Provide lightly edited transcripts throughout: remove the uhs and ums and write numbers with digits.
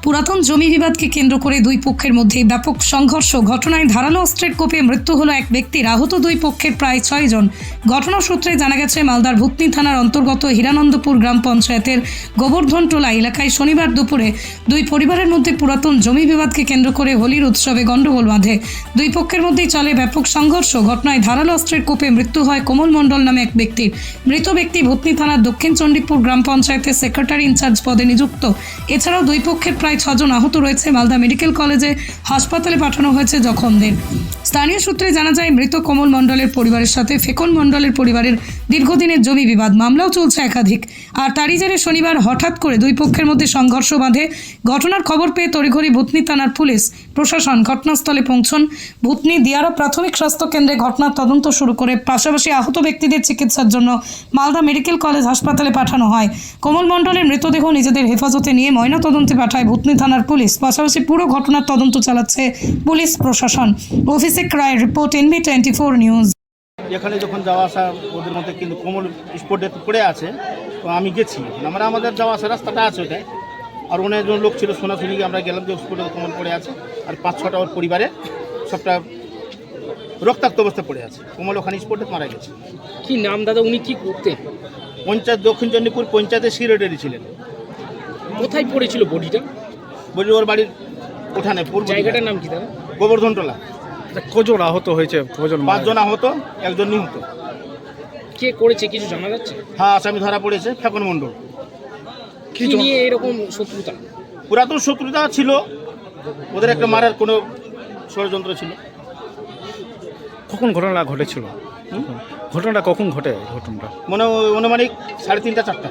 পুরাতন জমি বিবাদকে কেন্দ্র করে দুই পক্ষের মধ্যে ব্যাপক সংঘর্ষ। ঘটনায় ধারালো অস্ত্রের কোপে মৃত্যু হলো এক ব্যক্তির। আহত দুই পক্ষের প্রায় 6 জন। ঘটনা সূত্রে জানা গেছে, মালদার ভূতনি থানার অন্তর্গত হীরানন্দপুর গ্রাম পঞ্চায়েতের গোবর্ধনটোলা এলাকায় শনিবার দুপুরে দুই পরিবারের মধ্যে পুরাতন জমি বিবাদকে কেন্দ্র করে হোলির উৎসবে গন্ডগোল বাঁধে। দুই পক্ষের মধ্যেই চলে ব্যাপক সংঘর্ষ। ঘটনায় ধারালো অস্ত্রের কোপে মৃত্যু হয় কোমল মণ্ডল নামে এক ব্যক্তির। মৃত ব্যক্তি ভূতনি থানার দক্ষিণ চণ্ডীপুর গ্রাম পঞ্চায়েতের সেক্রেটারি ইনচার্জ পদে নিযুক্ত। এছাড়াও দুই পক্ষের প্রায় 6 জন আহত রয়েছে। মালদা মেডিকেল কলেজে হাসপাতালে পাঠানো হয়েছে জখমদের। স্থানীয় সূত্রে জানা যায়, মৃত কোমল মণ্ডলের পরিবারের সাথে ফেকন মণ্ডলের পরিবারের দীর্ঘদিনের জমি বিবাদ, মামলাও চলছে একাধিক। আর তারই জেরে শনিবার হঠাৎ করে দুই পক্ষের মধ্যে সংঘর্ষ বাঁধে। ঘটনার খবর পেয়ে তড়িঘড়ি ভূতনি থানার পুলিশ প্রশাসন ঘটনাস্থলে পৌঁছন। ভূতনি দিয়ারা প্রাথমিক স্বাস্থ্য কেন্দ্রে ঘটনার তদন্ত শুরু করে পাশাপাশি আহত ব্যক্তিদের চিকিৎসার জন্য মালদা মেডিকেল কলেজ হাসপাতালে পাঠানো হয়। কোমল মণ্ডলের মৃতদেহ নিজেদের হেফাজতে নিয়ে ময়নাতদন্তে পাঠায় ভূতনি থানার পুলিশ। পাশাপাশি পুরো ঘটনার তদন্ত চালাচ্ছে পুলিশ প্রশাসন। অফিসে ক্রাইম রিপোর্ট, NB24 নিউজ। এখানে যখন যাওয়া আসা ওদের মধ্যে কিন্তু কোমল স্পটে পড়ে আছে, তো আমি গেছি, আমাদের যাওয়া আসা রাস্তাটা আছে ওটাই। আর অনেকজন লোক ছিল, শোনাশুনি আমরা গেলাম যে স্পটে কোমল পড়ে আছে, আর 5-6টা ওর পরিবারে সবটা রক্তাক্ত অবস্থায় পড়ে আছে। কোমল ওখানে স্পটে মারা গেছে। কি নাম দাদা, উনি কি করতেন? পঞ্চায়েত দক্ষিণ চণ্ডীপুর পঞ্চায়েতের সেক্রেটারি ছিলেন। কোথায় পড়েছিল বডিটা? বলি ওর বাড়ির উঠানে। জায়গাটার নাম কি দাদা? গোবর্ধনটোলা। কজন আহত হয়েছে? 5 জন আহত, 1 জন নিহত। কে করেছে কিছু জানা যাচ্ছে? হ্যাঁ, আসামি ধরা পড়েছে ফেকন মণ্ডল। কি নিয়ে এরকম শত্রুতা? পুরাতন শত্রুতা ছিল ওদের, একটা মারার কোনো ষড়যন্ত্র ছিল। কখন ঘটনা ঘটেছিল? ঘটনাটা কখন ঘটে? ঘটনাটা অনুমানিক 3:30-4টা।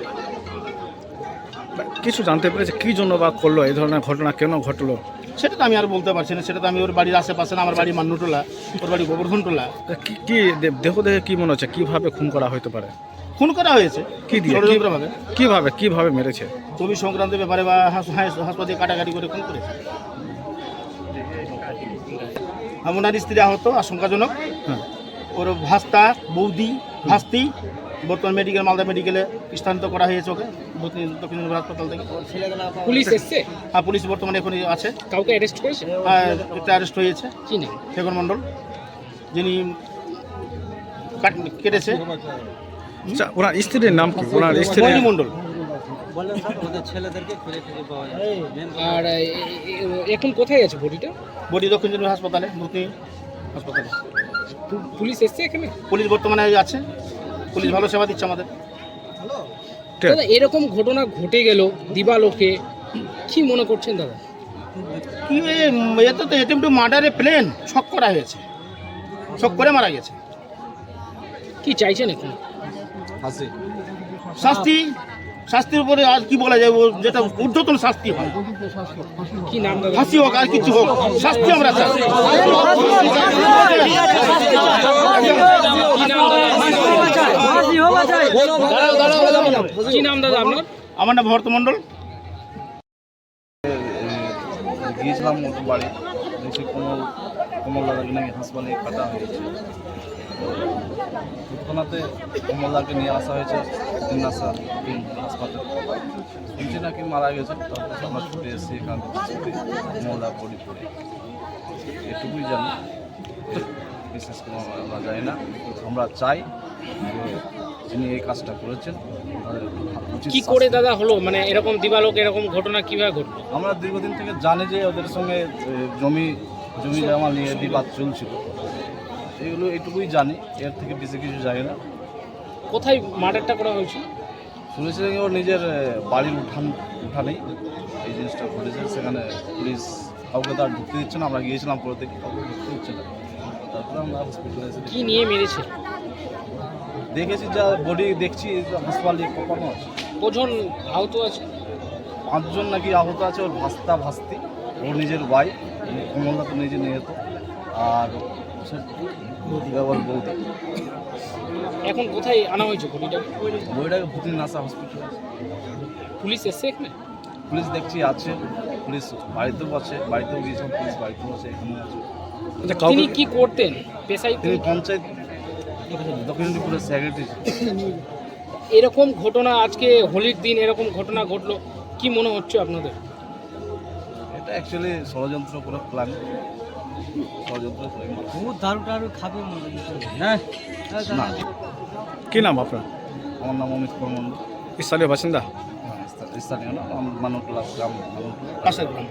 কিছু জানতে পেরেছে কি জন্য বা করলো এই ধরনের ঘটনা, কেন ঘটলো? সেটা তো আমি আর বলতে পারছি না। সেটা তো আমি ওর বাড়ির আশেপাশে না, আমার বাড়ি মান্নুটোলা, ওর বাড়ি গোবর্ধনটোলা। কি দেহ দেখে কি মনে হচ্ছে কিভাবে খুন করা হতে পারে? খুন করা হয়েছে কি দিয়ে? ষড়যন্ত্রভাবে। কিভাবে মেরেছে? জমি সংক্রান্ত ব্যাপারে বা হাসপাতালে কাটাকাটি করে খুন করেছে। ওনার স্ত্রী আহত আশঙ্কাজনক। হ্যাঁ। ওর ভাস্তা, বৌদি, ভাস্তি বর্তমান মালদা মেডিকেলে স্থানান্তর করা হয়েছে ওকে, দক্ষিণ হাসপাতাল থেকে। পুলিশ এসছে? হ্যাঁ, পুলিশ বর্তমানে এখন আছে। কাউকে অ্যারেস্ট করেছে? হ্যাঁ, একটা অ্যারেস্ট হয়েছে। কি নাম? ফেকন মণ্ডল, যিনি কেটেছে। আচ্ছা, ওনার স্ত্রীর নাম কি? ওনার স্ত্রী মণ্ডল। আর এখন কোথায় আছে বডিটা? বডি দক্ষিণ চণ্ডীপুর হাসপাতালে, ভূতনি হাসপাতালে। পুলিশ এসছে এখানে? পুলিশ বর্তমানে আছে, পুলিশ ভালো সেবা দিচ্ছে আমাদের। দাদা, এরকম ঘটনা ঘটে গেল দিবালোকে, কি মনে করছেন দাদা? কি এত তো অ্যাটেম্পট টু মার্ডারে প্লেন ছক করা হয়েছে, ছক করে মারা গেছে। কি চাইছেন এখন? শাস্তি, শাস্তির উপরে আর কি বলা যায়, যেটা ঊর্ধ্বতন শাস্তি হয়। কি নাম দাদা? ফাঁসি হোক আর কিছু হোক, শাস্তি আমরা চাই। কি নাম দাদা আপনার? আমার নাম ভরত মণ্ডল। গিয়েছিলাম ওর বাড়ি, দেখছি কমল দাদাকে নাকি হাসপাতালে কাটা হয়েছে। তৎক্ষণাতে কমল দাদাকে নিয়ে আসা হয়েছে হাসপাতালে, শুনছি নাকি মারা গেছে। তারপর আমরা ছুটে এসেছি, এখান থেকে কমল দা বডি পড়ে, এটুকুই জানি, বিশেষ করে আমরা জানি না। আমরা চাই যে যিনি এই কাজটা করেছেন কি করে দাদা হলো, মানে এরকম দিবালোক এরকম ঘটনা কিভাবে ঘটলো? আমরা দীর্ঘদিন থেকে জানি যে ওদের সঙ্গে জমি জমা নিয়ে বিবাদ চলছিল, এগুলো এইটুকুই জানি, এর থেকে বেশি কিছু জানি না। কোথায় মার্ডারটা করা হয়েছিল? শুনেছিলেন ওর নিজের বাড়ির উঠানেই এই জিনিসটা ঘটেছে। সেখানে পুলিশ কাউকে তার ঢুকতে দিচ্ছে না, আমরা গিয়েছিলাম পরে থেকে কাউকে ঢুকতে দিচ্ছে না। তারপরে আমরা হসপিটালে এসে কি নিয়ে মেরেছে দেখেছি, যা বডি দেখছি হাসপাতালে কোপানো আছে। কজন আহত আছে? 5 জন নাকি আহত আছে। ওর ভাস্তি, ওর নিজের ভাই কমলদা তো নিজে নিহত, আর ওর বৌদি। এখন কোথায় আনা হয়েছে বডিটাকে? বইটাকে ভূতনি নাসা হসপিটাল। পুলিশ এসছে এখানে? পুলিশ দেখছি আছে, পুলিশ বাড়িতেও আছে, বাড়িতেও গিয়েছিলাম, পুলিশ বাড়িতেও আছে, এখানেও আছে। তিনি কি করতেন পেশায়? তিনি পঞ্চায়েত দক্ষিণ চণ্ডীপুরের সেক্রেটারি। এরকম ঘটনা আজকে হোলির দিন এরকম ঘটনা ঘটলো, কি মনে হচ্ছে আপনাদের? অ্যাকচুয়ালি ষড়যন্ত্র করে প্ল্যান ষড়যন্ত্র করে না। কি নাম আপনার? আমার নাম অমিত কর্মন্ড। স্থানীয় বাসিন্দা? স্থানীয় না, মানুটলা গ্রাম, মানুটলা পাশের গ্রাম।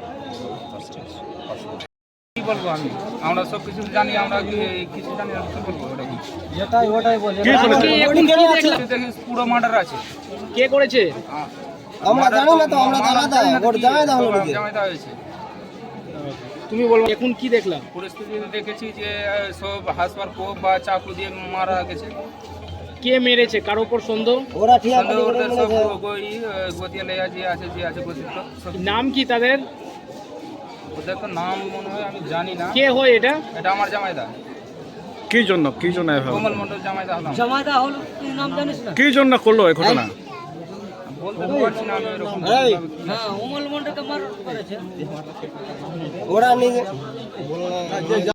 কি বলবো আমি, আমরা সব কিছু জানি, আমরা কিছু জানি না, কি বলবো ওটা কি? কি করেছে? এখন কি দেখলাম? দেখি পুরো মার্ডার আছে। কে করেছে? আমরা জানি না তো, আমরা জামাইদা হয়েছে। তুমি বলো এখন কি দেখলাম? পরিস্থিতি দেখেছি যে সব হাসপার কোপ বা চাকু দিয়ে মারা গেছে। কে মেরেছে? কার উপর সন্দেহ? সন্দেহ ওদের সব গতিয়া লেয়া যে আছে গতিত সব। নাম কি তাদের? ওদের তো নাম মনে হয় আমি জানি না। কে হয় এটা? এটা আমার জামাইদা, কি জন্য এভাবে? কোমল মন্ডল জামাইদা হলাম। কি জন্য করলো এই ঘটনা? বলতে তো পারছি না আমি এরকম। ওরা নিজে